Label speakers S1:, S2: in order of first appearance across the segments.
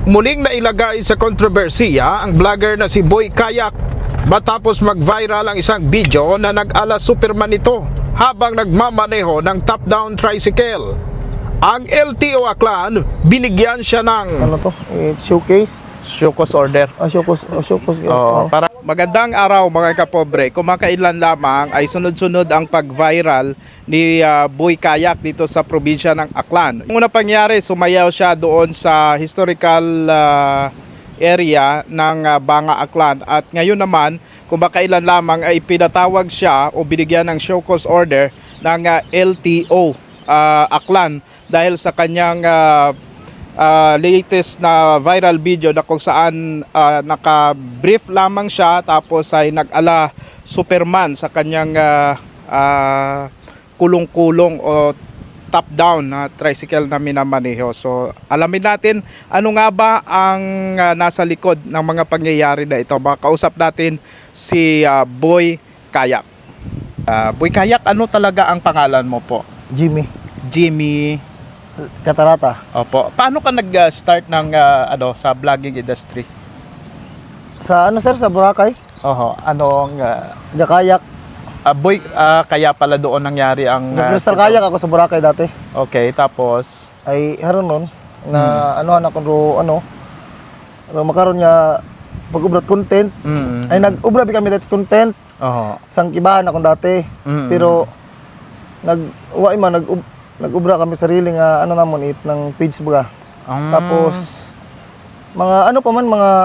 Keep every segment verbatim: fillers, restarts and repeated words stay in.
S1: Muling nailagay sa kontrobersiya ang vlogger na si Boy Kayak matapos mag-viral ang isang video na nag-ala Superman ito habang nagmamaneho ng top-down tricycle. Ang L T O Aklan, binigyan siya ng
S2: Ano to? Eh, showcase?
S1: Showcause order.
S2: Ah, showcase. Ah, showcase.
S1: Oo,
S2: Oh.
S1: para magandang araw mga kapobre. Kumakailan lamang ay sunod-sunod ang pag-viral ni uh, Boy Kayak dito sa probinsya ng Aklan. Ang una pangyari, sumayaw siya doon sa historical uh, area ng uh, Banga Aklan. At ngayon naman, kumakailan lamang ay pinatawag siya o binigyan ng show cause order ng uh, L T O uh, Aklan dahil sa kanyang uh, Uh, latest na viral video na kung saan uh, naka-brief lamang siya tapos ay nag-ala Superman sa kanyang uh, uh, kulong-kulong o top-down na tricycle na minamaneho. So alamin natin ano nga ba ang uh, nasa likod ng mga pangyayari na ito. Makausap natin si uh, Boy Kayak. Uh, Boy Kayak, ano talaga ang pangalan mo po?
S2: Jimmy.
S1: Jimmy
S2: Katarata.
S1: Opo. Paano ka nag-start ng uh, ano sa vlogging industry?
S2: Sa ano sir? Sa Boracay?
S1: Oho. Anong uh,
S2: Kayak.
S1: uh, boy uh, kaya pala doon nangyari ang uh,
S2: Nag-crystal kayak ako sa Boracay dati.
S1: Okay, tapos
S2: Ay haron nun na ano anak ko ro ano ro makaroon niya pag-ubrat content.
S1: mm,
S2: Ay nag-ubra bi kami dati content
S1: oho.
S2: sang kibahan ako dati.
S1: Mm.
S2: Pero nag wa man nag nag-ubra kami sarili nga ano namon it ng page baga.
S1: Um,
S2: Tapos mga ano pa man mga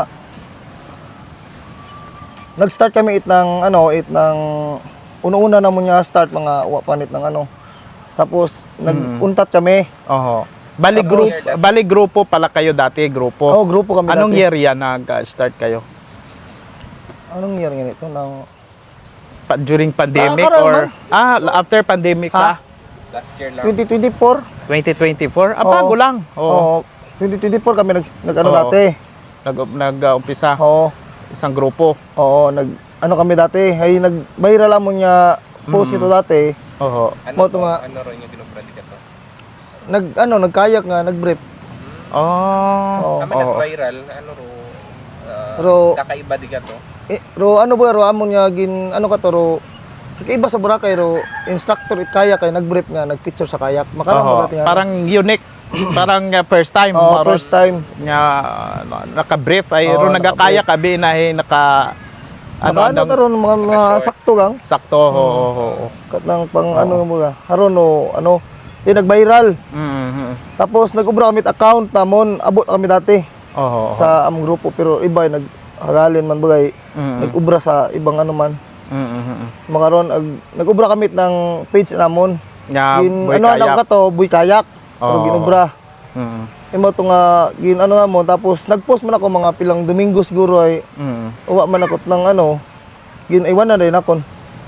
S2: nag-start kami it ng ano it ng una-una na mo niya start mga wa panit ng ano. Tapos nag-untat kami.
S1: oho. Bali
S2: Tapos-
S1: group, bali grupo pala kayo dati, grupo.
S2: Oh, grupo kami
S1: Anong
S2: dati.
S1: year yan nag-start kayo?
S2: Anong year ganito nang
S1: Pa- during pandemic
S2: Ah, karon
S1: or
S2: man.
S1: ah after pandemic
S2: Ha?
S1: pa?
S2: twenty twenty-four?
S1: twenty twenty-four? Ah,
S2: Oo.
S1: bago lang. Oo.
S2: Oo. twenty twenty-four kami nag, nag ano
S1: Oo.
S2: dati.
S1: Nag nag-umpisa
S2: Oo.
S1: isang grupo.
S2: Oo, nag ano kami dati. Ay nag-viral mo niya post
S1: Mm.
S2: ito dati.
S1: Oho.
S2: Mo to nga
S3: Ano rin yung binubrandi ka to?
S2: nag ano nagkayak nga, nag-brief.
S1: Oh.
S2: Oo.
S3: Kami
S1: Oo.
S3: nag-viral, ano ro, ah,
S2: Ro-
S3: kakaiba di ka to?
S2: Eh, ro ano ba ro amo niya gin ano ka to ro iba sa Boracay ro instructor it kayak kay nag-brief nga, nag-picture sa kayak. Makaroon
S1: Oho.
S2: ba dati nga?
S1: Parang unique. Parang uh, first time.
S2: Oo,
S1: maroon
S2: first time.
S1: Nga uh, naka-brief ay
S2: Oo,
S1: ro nagakaya ka bi na eh, naka
S2: Ano ano
S1: andang-
S2: karon mga, mga sakto gang
S1: sakto. Oo. oo, oo.
S2: kat nang pang ano mo ga. Haron no ano eh nag-viral.
S1: Mhm.
S2: Tapos nag-ubra kami it account namon abot kami dati.
S1: Oho.
S2: Sa among grupo pero iba ay naghagalin man bagay
S1: Mhm.
S2: nag-ubra sa ibang ano man
S1: Mhm.
S2: makaron ag nag-ubra kami ng page namon
S1: Nga
S2: gin
S1: Boy
S2: ano
S1: Kayak.
S2: alam ka to Boy Kayak pero
S1: Oo.
S2: ginubra
S1: Mhm.
S2: imo to nga gin ano namon tapos nag-post man ako mga pilang Domingo siguro ay
S1: Mhm.
S2: uwa man ako ng ano gin iwan na din akon.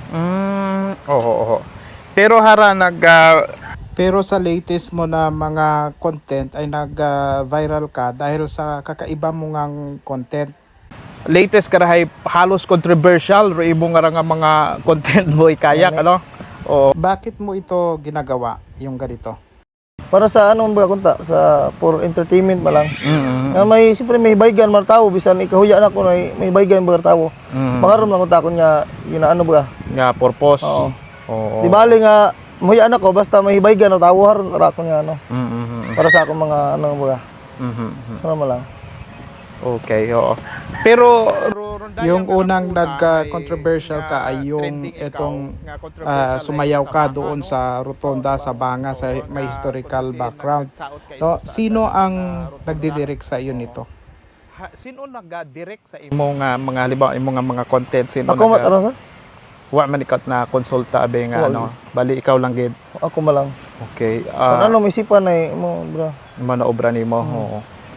S1: Mm, oo, oo. Pero hara nag ah, pero sa latest mo na mga content ay nag-viral ka dahil sa kakaiba mo ngang content. Latest ka rahay halos controversial ro imo nga nga mga content Boy Kayak ano? O bakit mo ito ginagawa yung ganito?
S2: Para sa ano ba kunta sa for entertainment ba lang.
S1: Mm.
S2: Nga may siyempre may baygan man tawo bisan ikahuya na ko may may baygan ba tawo.
S1: Mm.
S2: Makaroon lang kunta ko nya ginaano ba.
S1: Nga purpose.
S2: Oo.
S1: Oo.
S2: Di bali nga muya na ko basta may baygan na tawo haron ra ko nya ano.
S1: Mm.
S2: Para sa akong mga ano ba.
S1: Mhm.
S2: Ano mo lang.
S1: Okay, oo. Pero yung unang nagka-controversial ka ay yung itong ah, sumayaw ka doon sa rotonda sa Banga sa may historical background. No, sino ang nagdidirect sa iyo nito? Sino nag-direct sa imong nga mga halimbawa imong nga mga content sino
S2: Ako mat ano sa?
S1: wa man ikat na konsulta abe nga
S2: Wag.
S1: ano bali ikaw lang gid.
S2: Ako man lang.
S1: Okay.
S2: Kung
S1: ah
S2: ano may isipan ay mo bro.
S1: manaobra nimo. Oo.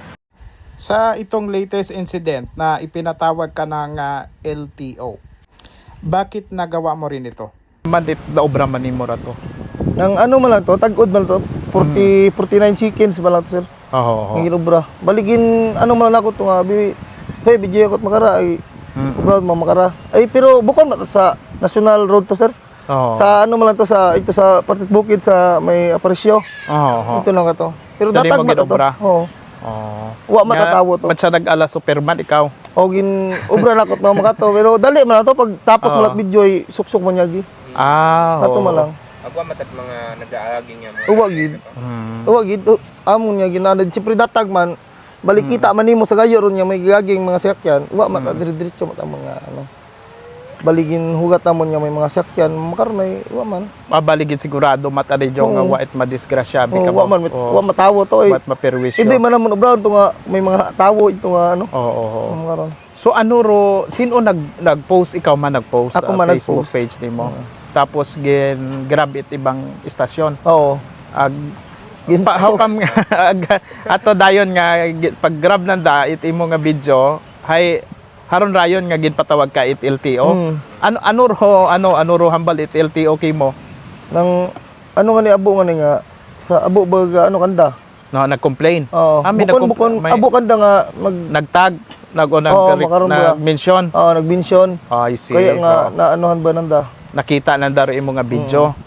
S1: Sa itong latest incident na ipinatawag ka ng ah, L T O, bakit nagawa mo rin ito? Mandit na obra man nimo ra to.
S2: Nang ano man lang to, tag-od man to. forty, forty-nine chickens ba lang to, sir?
S1: Oo.
S2: Ang ginubra. Baligin ano man lang ako to nga bi. Hey, video ako makara ay
S1: Mm.
S2: proud mo makara. Ay pero bukod man to sa National Road to, sir.
S1: Oo.
S2: Sa ano man lang to sa ito sa Partit Bukid sa may Aparisyo.
S1: Oo.
S2: Ito lang ka to. Pero
S1: Dali
S2: datag
S1: mo
S2: man to.
S1: ginobra?
S2: Oo.
S1: Oh.
S2: Wa matatawo to.
S1: Ba't siya nag-ala Superman ikaw?
S2: O gin ubra na kot na makato pero dali man na to pag tapos
S1: Oo.
S2: malat video ay suksok man niya gi.
S1: Ah,
S2: Ato
S1: oo.
S2: man lang.
S3: Agwa matag mga nag-aaging nga mga.
S2: Uwa gid.
S1: Hmm.
S2: Uwa gid uh, amon niya ginanad siyempre datag man balikita man nimo sa gayo ron niya may gaging mga sakyan. Uwa mata dire-diretso mata mga ano. Baligin hugat namon niya may mga sakyan makaron may uwa man.
S1: Mabaligid sigurado mata rin yung nga
S2: Oo.
S1: wait madisgrasya.
S2: Oh, uwa man uwa matawo to eh.
S1: Wat maperwisyo.
S2: Hindi man namon ubra to nga may mga tawo ito nga ano.
S1: Oo, oo, oo.
S2: Makaron.
S1: So ano ro, sino nag nag-post? Ikaw man nag-post
S2: Ako
S1: sa
S2: man
S1: Facebook
S2: nag-post.
S1: page nimo. Tapos gin grab it ibang istasyon.
S2: Oo.
S1: Ag
S2: Gin
S1: pa, how come nga ag- ato dayon nga gi- pag grab nanda it imo nga video hay haron rayon nga ginpatawag ka it L T O.
S2: Mm.
S1: Ano ano ro ano ano ro hambal it L T O kay mo?
S2: Nang ano nga ni abo nga ni nga sa abo ba ano kanda.
S1: No, nag-complain.
S2: Oo.
S1: Ah, may
S2: bukon
S1: nagkum-
S2: bukon
S1: may-
S2: abo kanda nga mag
S1: Nagtag, nag o nag,
S2: Oo, makaroon ba?
S1: nag-mention.
S2: Oo, nag-mention.
S1: Oh, I see.
S2: Kaya nga
S1: Oo.
S2: naanuhan ba nanda?
S1: Nakita nang daro imo nga video.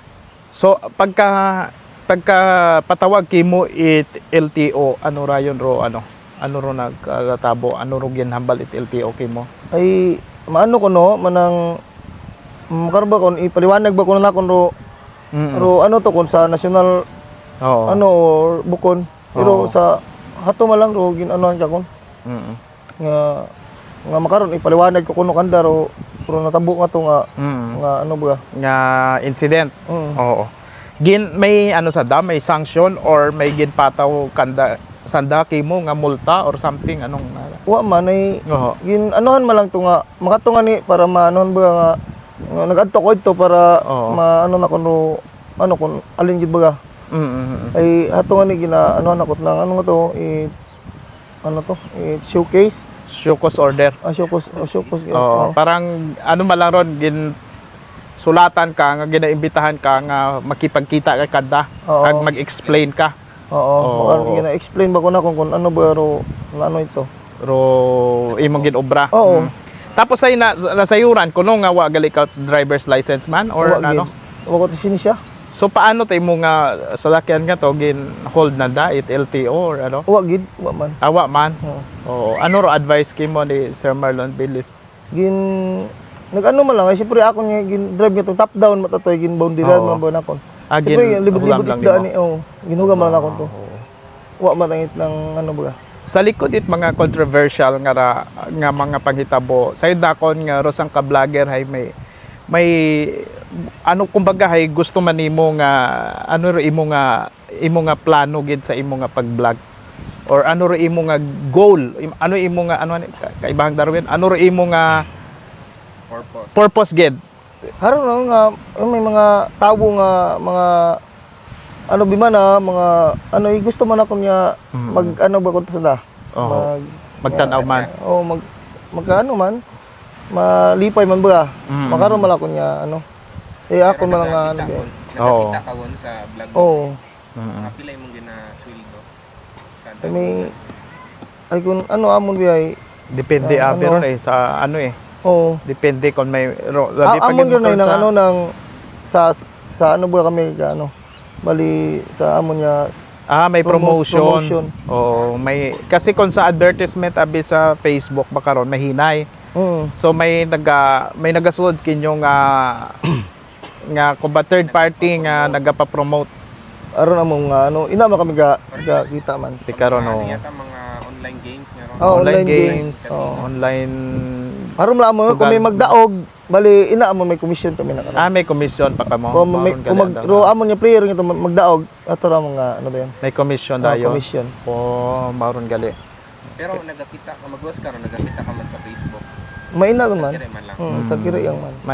S1: So pagka pagka patawag kimo it L T O ano rayon ro ano? Ano ro nagkatabo? Ano ro ginhambal it L T O kimo?
S2: Ay maano ko no manang makaron ba kon ipaliwanag ba ko na kon ro
S1: Mm.
S2: ro ano to kon sa national
S1: Oo.
S2: ano or bukon. Pero
S1: Oo.
S2: sa hato man lang ro ginanuhan siya kon
S1: Mm.
S2: nga nga makaron ipaliwanag ko kuno kanda ro pero natabo nga to nga
S1: Mm.
S2: nga ano ba?
S1: Nga incident.
S2: Mm.
S1: Oo. Gin may ano sa da may sanction or may ginpataw kanda sanda kimo nga multa or something anong
S2: Wa man ay
S1: Oo.
S2: gin anuhan man lang to nga makato nga ni para maanuhan ba nga, nga nagadto ko ito para
S1: Oo.
S2: maano na kuno ano kun alin gid baga
S1: Mm. mm,
S2: ay ato nga ni gina ano na kot lang ano nga to i ano to i showcase
S1: Showcause order.
S2: ah showcase ah, showcase
S1: Oo,
S2: oh.
S1: parang ano man lang ron gin sulatan ka nga ginaimbitahan ka nga makipagkita kay kada
S2: Oo.
S1: kag mag-explain ka
S2: Oo,
S1: Oo.
S2: baka gina explain ba ko na kung, kung ano ba ro nga ano ito.
S1: ro imong ginobra.
S2: Oo.
S1: Mm. Tapos ay na, nasayuran kuno nga wa gali ka driver's license man or
S2: Wa
S1: ano.
S2: gid. Wa ko to siya.
S1: So paano tay mo nga salakyan nga to gin hold na da it L T O or ano?
S2: Wa gid, wa man.
S1: Awa man.
S2: Oo.
S1: Oo. Ano ro advice kimo ni Sir Marlon Billis?
S2: Gin nag-ano man lang ay siyempre ako nga gin drive nga tong top down matatoy gin boundary
S1: Oo.
S2: man ba na kon.
S1: Ah,
S2: Siyempre
S1: gin-
S2: libot-libot
S1: hugam lang
S2: isda
S1: nimo.
S2: ni oh. Ginugam man lang ako to. Wa matangit ng ano ba.
S1: Sa likod it mga controversial nga ra, nga mga panghitabo. Sa dakon nga rosang ka vlogger hay may may ano kumbaga hay gusto man nimo nga ano ro imo nga imo nga plano gid sa imo nga pag-vlog or ano ro imo nga goal Im- ano imo nga ano ani, ka- kaibahang Darwin ano ro imo nga
S3: Purpose.
S1: purpose gid.
S2: Haron no nga oh, may mga tawo nga mga ano bimana mga ano eh, gusto man ako niya
S1: Mm.
S2: mag ano ba ko sa da.
S1: Oo.
S2: Mag
S1: Magtan-aw man.
S2: oh mag magkaano man malipay man ba.
S1: Mm.
S2: Makaroon man ako niya ano. Eh ako man lang nga ano. ba.
S1: Oo.
S3: Nakakita ka won sa vlog mo.
S2: Oh,
S1: Mm.
S3: Kapila imong ginasweldo. Kada
S2: kami ay kung ano amon biyay.
S1: Depende
S2: Ah,
S1: ah,
S2: ano?
S1: pero eh sa ano eh
S2: Oh.
S1: depende kung may ro,
S2: Ah,
S1: labi pag
S2: amon
S1: yung
S2: ganoy
S1: motor
S2: nang
S1: sa-
S2: ano nang sa sa ano ba kami ka ano. Bali sa amon niya
S1: Ah, may
S2: Promote-
S1: promotion.
S2: promotion.
S1: Oo, may kasi kung sa advertisement abi sa Facebook baka ron mahinay.
S2: mm,
S1: So may naga may nagasulod kinyo nga nga kung ba third party nga nagapa-promote
S2: aron among nga ano ina man kami ga, ga kita man.
S1: di karon
S3: ano
S1: oh.
S3: yata mga online games nga ron.
S2: Oh,
S1: online,
S2: online
S1: games,
S2: games. Oo.
S1: online
S2: Aron lang mo kung may
S1: Sugal.
S2: magdaog bali ina amon may commission kami na karon.
S1: ah may commission pa ka mo.
S2: Kung may
S1: Maroon
S2: kung
S1: gali
S2: mag
S1: ang
S2: ro
S1: dama.
S2: amon niya player nga magdaog ato ra mga ano ba yan?
S1: May commission
S2: Ah,
S1: dayon.
S2: commission.
S1: Oh, maron gali.
S3: Pero nagakita ka magwas ka ron, nagakita ka man sa Facebook.
S2: Maina gun man.
S3: Kire man lang.
S2: Mm, sa kira yang man.